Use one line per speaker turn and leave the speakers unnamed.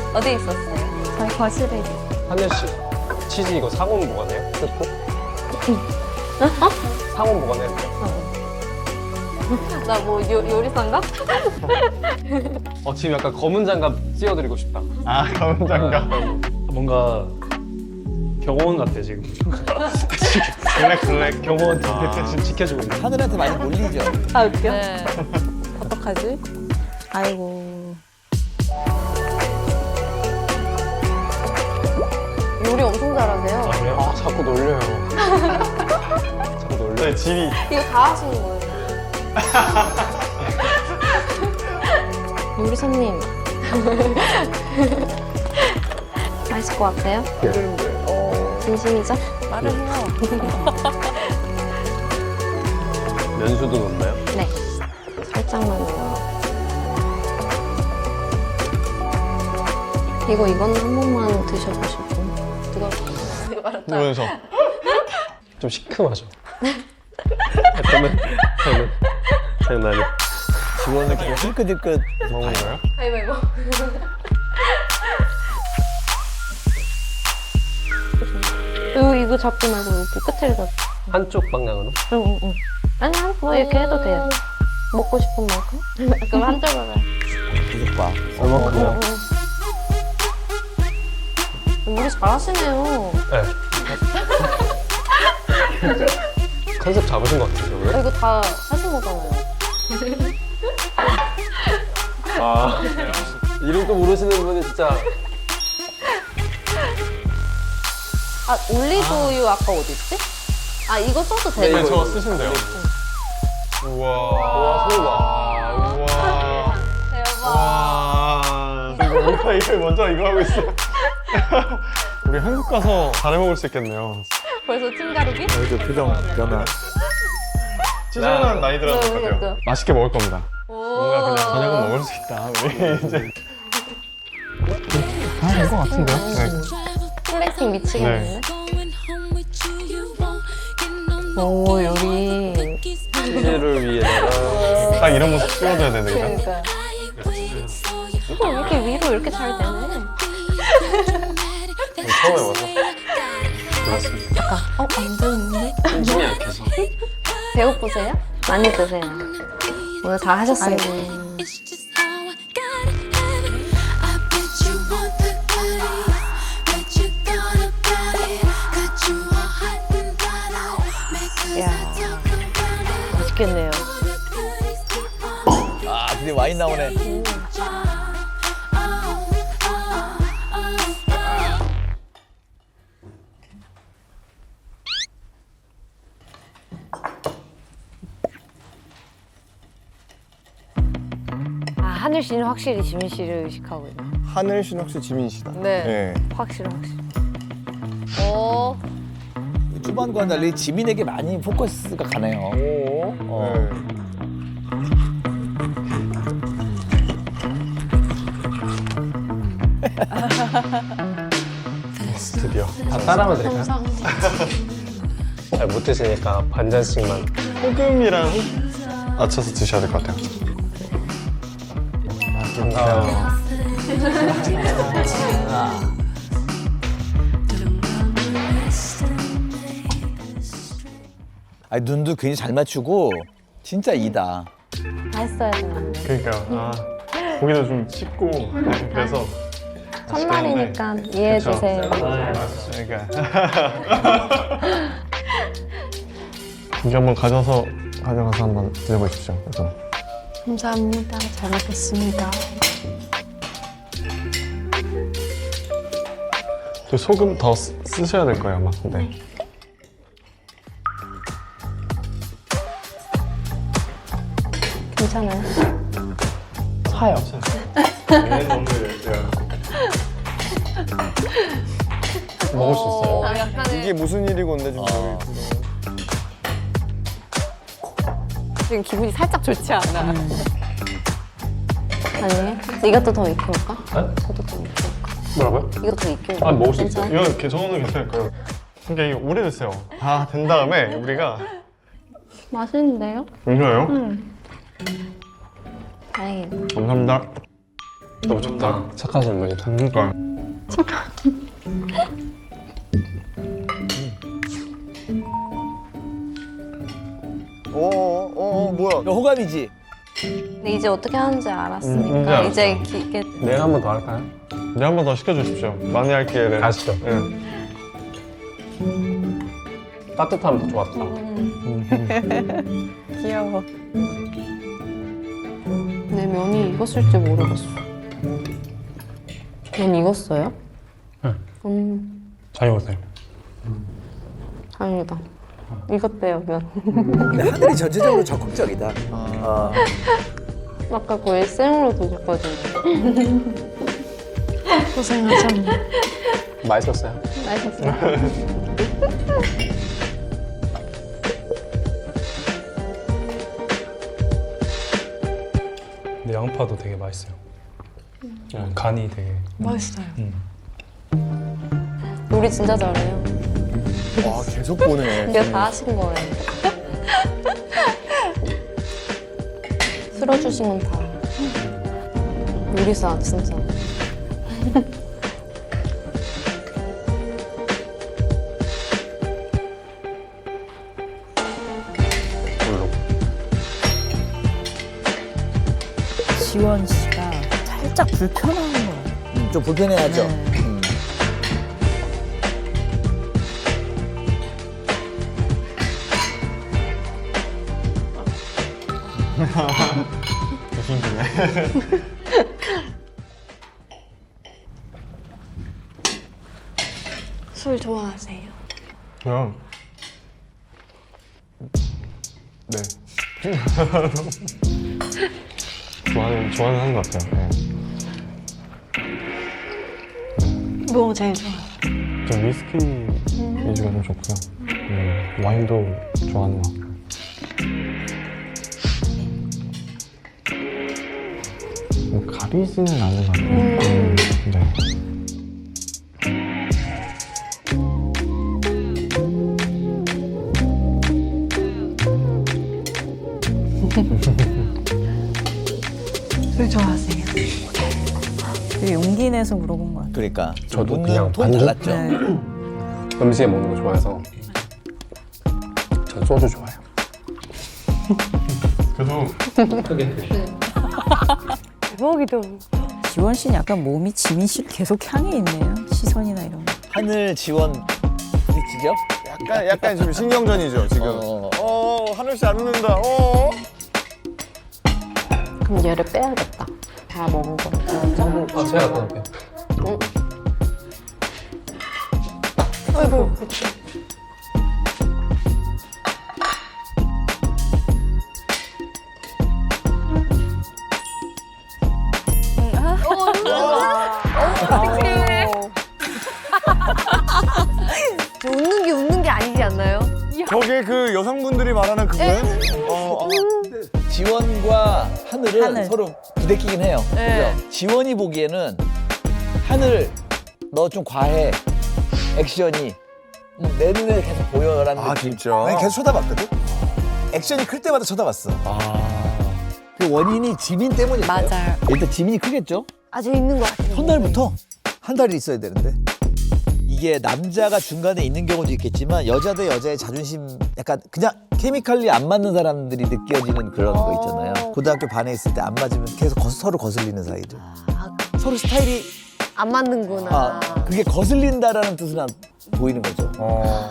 어디 있었어요?
저희 거실에.
하늘 씨, 치즈 이거 상온 보관해요? 뜯고? 상온 보관해야 돼요?
나 뭐 요리사인가?
지금 약간 검은 장갑 씌워드리고 싶다.
아, 검은 장갑.
뭔가 경호원 같아 지금.
블랙.
경호원 지금 지켜주고 있는.
하늘한테 많이 몰리죠.
아 웃겨?
네.
어떡하지?
아이고.
요리 엄청 잘하세요.
아, 자꾸 놀려요. 자꾸 놀려요.
네, 집이.
이거 다 하시는 거예요?
요리사님. 맛있을 것 같아요? 진심이죠?
말을 해요.
면수도 넣나요?
네. 살짝만 넣어요. 이거는 한 번만 드셔보시고.
보면서.
좀 시큼하죠? 장난이.
직원을 계속 힐끗힐끗
먹는 거예요?
가위바위보.
이거 잡지 말고 여기 끝을 잡.
한쪽 방향으로?
응. 아니야, 뭐 이렇게 해도 돼요. 먹고 싶은 만큼. 그럼 한쪽으로.
계속 봐.
얼마큼요?
요리 잘하시네요.
네. 컨셉 잡으신 것 같은데, 오늘?
이거 다 하신 거잖아요.
아, 이름도 모르시는 분이 진짜.
아, 올리브유 아까 어디 있지? 아, 이거 써도
네,
돼요?
네, 저거 쓰시면 돼요. 우와.
와, 소리가.
우와.
대박.
와. 우리가 이거 먼저 이거 하고 있어. 우리 한국 가서 잘해 먹을 수 있겠네요.
벌써 찜가루기?
그 표정 변화.
찌질한 나이들한테
네,
같아요.
그러니까.
맛있게 먹을 겁니다.
오.
뭔가 그냥 저녁은 먹을 수 있다. 우리 이제. 다 된 것 같은데요? 네.
플레이팅 미치겠네.
네.
오, 요리.
치즈를 위해다가.
딱 이런 모습 찍어줘야 되는데.
그러니까.
이거 이렇게 위로 이렇게 잘 되네.
처음 해봐서. 그렇습니다.
안 되는데?
심심이 약해서.
배고프세요? 많이 드세요. 오늘 잘 하셨어요. 이야, 맛있겠네요.
아, 드디어 와인 나오네.
하늘 씨는 확실히 지민 씨를 의식하고 있네.
하늘 씨는 혹시 지민 씨다.
네.
확실히.
오.
초반과는 달리 지민에게 많이 포커스가 가네요.
네. 드디어.
다 따라하면 될까요? 잘 못 드시니까 반 잔씩만.
소금이랑 맞춰서 드셔야 될 것 같아요.
반가워요.
아니, 눈도 굉장히 잘 맞추고 진짜 이다.
다 했어야 되는데.
그러니까 고기도 좀 씹고 그래서
첫날이니까 이해해주세요.
그러니까 고기 한번 가져가서 한번 드셔보십시오. 그래서
감사합니다. 잘 먹겠습니다.
또 소금 더 쓰셔야 될 거예요, 아마. 네.
괜찮아요.
사요. 먹을 수 있어요.
약간의
이게 무슨 일이고 근데 지금
지금 기분이 살짝 좋지 않아.
아니에요? 이것도 더 익혀볼까?
네?
저도 더 익혀볼까?
뭐라고요?
이거 더 익혀볼까?
아, 먹을 수 있어요.
괜찮아요?
이건 저는 괜찮을 거예요. 그러니까 이게 오래됐어요. 다 된 다음에 우리가
맛있는데요?
괜찮아요?
다행이네.
감사합니다.
너무 좋다. 착하신 분이다.
그러니까.
뭐야? 호감이지.
근데 이제 어떻게 하는지 알았으니까
이제
이제
알았어.
이게
내일 한 번 더 할까요?
네, 한 번 더 시켜주십시오. 많이 할 기회를.
아시죠?
응.
따뜻하면 더 좋았다.
귀여워.
내 면이 익었을지 모르겠어. 면 익었어요?
네. 잘 익었어요.
다행이다. 익었대요 면.
근데 하늘이 전체적으로 적극적이다.
아까 거의 생으로 드셨거든요. 고생하셨네.
맛있었어요?
맛있었어요.
근데 양파도 되게 맛있어요. 간이 되게.
맛있어요.
요리 진짜 잘해요.
와 계속 보네.
이게 다 하신 거예요. 쓸어주신 건 다. 요리사 진짜.
물로.
지원 씨가 살짝 불편한 거 같아요.
좀 불편해하죠.
네.
무슨 소리야?
술 좋아하세요?
그냥. 네. 좋아는 하는 것 같아요. 네.
뭐 제일 좋아?
저 위스키 위주가 좀 좋고요. 와인도 좋아하는 것 같고. 뭐 가리지는 않는 것 같아요. 네.
술 좋아하세요?
되게 용기 내서 물어본 것 같아요.
그러니까
저도
묻는
그냥
톤
반죽?
달랐죠.
네.
음식에 먹는 거 좋아해서 전 소주 좋아해요.
그래도
대박이다.
지원 씨는 약간 몸이 지민 씨를 계속 향해 있네요. 시선이나 이런 거.
하늘 지원 부딪히죠?
약간 지금 신경전이죠 지금. 하늘 씨 안 웃는다.
그럼 얘를 빼야겠다. 다 먹은 거.
아, 제가 갖다 놓을게요.
아이고.
웃는 게 아니지 않나요?
저게 그 여성분들이 말하는 그거예요?
지원과 하늘은
하늘.
서로 부대끼긴 해요.
네.
그죠? 지원이 보기에는 하늘 너 좀 과해 액션이 내 눈에 계속 보여라는
아
느낌.
진짜?
아니, 계속 쳐다봤거든. 액션이 클 때마다 쳐다봤어. 그 원인이 지민 때문이에요.
맞아요.
일단 지민이 크겠죠?
아주 있는 것 같아요.
첫날부터 한 달이 있어야 되는데 이게 남자가 중간에 있는 경우도 있겠지만 여자 대 여자의 자존심 약간 그냥 케미칼리 안 맞는 사람들이 느껴지는 그런 거 있잖아요. 고등학교 반에 있을 때 안 맞으면 계속 서로 거슬리는 사이들. 서로 스타일이
안 맞는구나.
그게 거슬린다라는 뜻은 보이는 거죠.